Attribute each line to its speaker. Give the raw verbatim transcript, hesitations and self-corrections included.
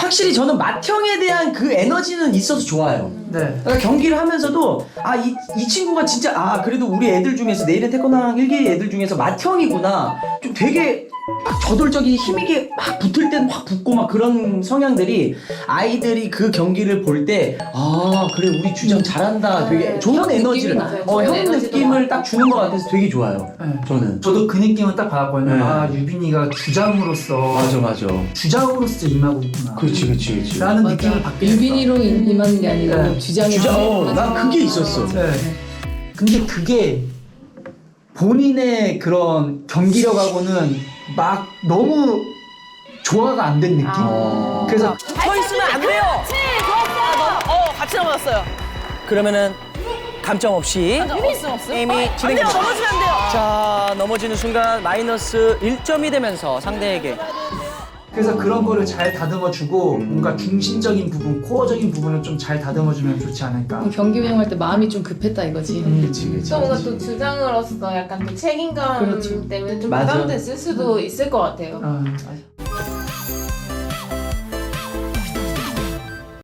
Speaker 1: 확실히 저는 맏형에 대한 그 에너지는 있어서 좋아요.
Speaker 2: 네.
Speaker 1: 그러니까 경기를 하면서도 아, 이, 이 친구가 진짜 아 그래도 우리 애들 중에서 내일의 태권왕 일 기 애들 중에서 맏형이구나. 좀 되게 막 저돌적인 힘있게 막 붙을 땐 확 붙고 막 그런 성향들이 아이들이 그 경기를 볼 때 아 그래 우리 주장 잘한다. 되게 좋은
Speaker 3: 형
Speaker 1: 에너지를
Speaker 3: 느낌이 나요.
Speaker 1: 어, 형
Speaker 3: 에너지도
Speaker 1: 느낌을
Speaker 3: 많고.
Speaker 1: 딱 주는 것 같아서 되게 좋아요.
Speaker 2: 네.
Speaker 1: 저는.
Speaker 2: 저도 그 느낌을 딱 받았거든요.
Speaker 1: 네.
Speaker 2: 아 유빈이가 주장으로서
Speaker 1: 맞아 맞아.
Speaker 2: 주장으로서 임하고 있구나.
Speaker 1: 그렇지 그렇지 그렇지.
Speaker 2: 라는
Speaker 3: 맞아.
Speaker 2: 느낌을 받게 됐어.
Speaker 3: 유빈이로 임- 임하는 게 아니라
Speaker 2: 네.
Speaker 3: 주장이
Speaker 1: 주장 어, 난 그게 있었어.
Speaker 2: 네. 근데 그게 본인의 그런 경기력하고는 막 너무 조화가 안 된 느낌?
Speaker 1: 어.
Speaker 2: 그래서
Speaker 4: 서 있으면 안 돼요.
Speaker 5: 그렇지, 좋았어.
Speaker 4: 어, 같이 넘어졌어요. 그러면은 감점 없이
Speaker 5: 없음, 없음.
Speaker 4: 게임이
Speaker 5: 안 돼요,
Speaker 4: 진행됩니다.
Speaker 5: 넘어지면 안 돼요.
Speaker 4: 자, 넘어지는 순간 마이너스 일 점이 되면서 상대에게
Speaker 2: 그래서 그런 거를 잘 다듬어주고 뭔가 중심적인 부분, 코어적인 부분을 좀 잘 다듬어주면 좋지 않을까.
Speaker 3: 경기 운영할 때 마음이 좀 급했다 이거지.
Speaker 1: 그렇지 그렇지.
Speaker 6: 또 뭔가 또 주장으로서 약간 또 책임감
Speaker 3: 그렇죠.
Speaker 6: 때문에 좀
Speaker 1: 맞아.
Speaker 6: 부담됐을 수도 있을 것 같아요.
Speaker 2: 아, 맞아.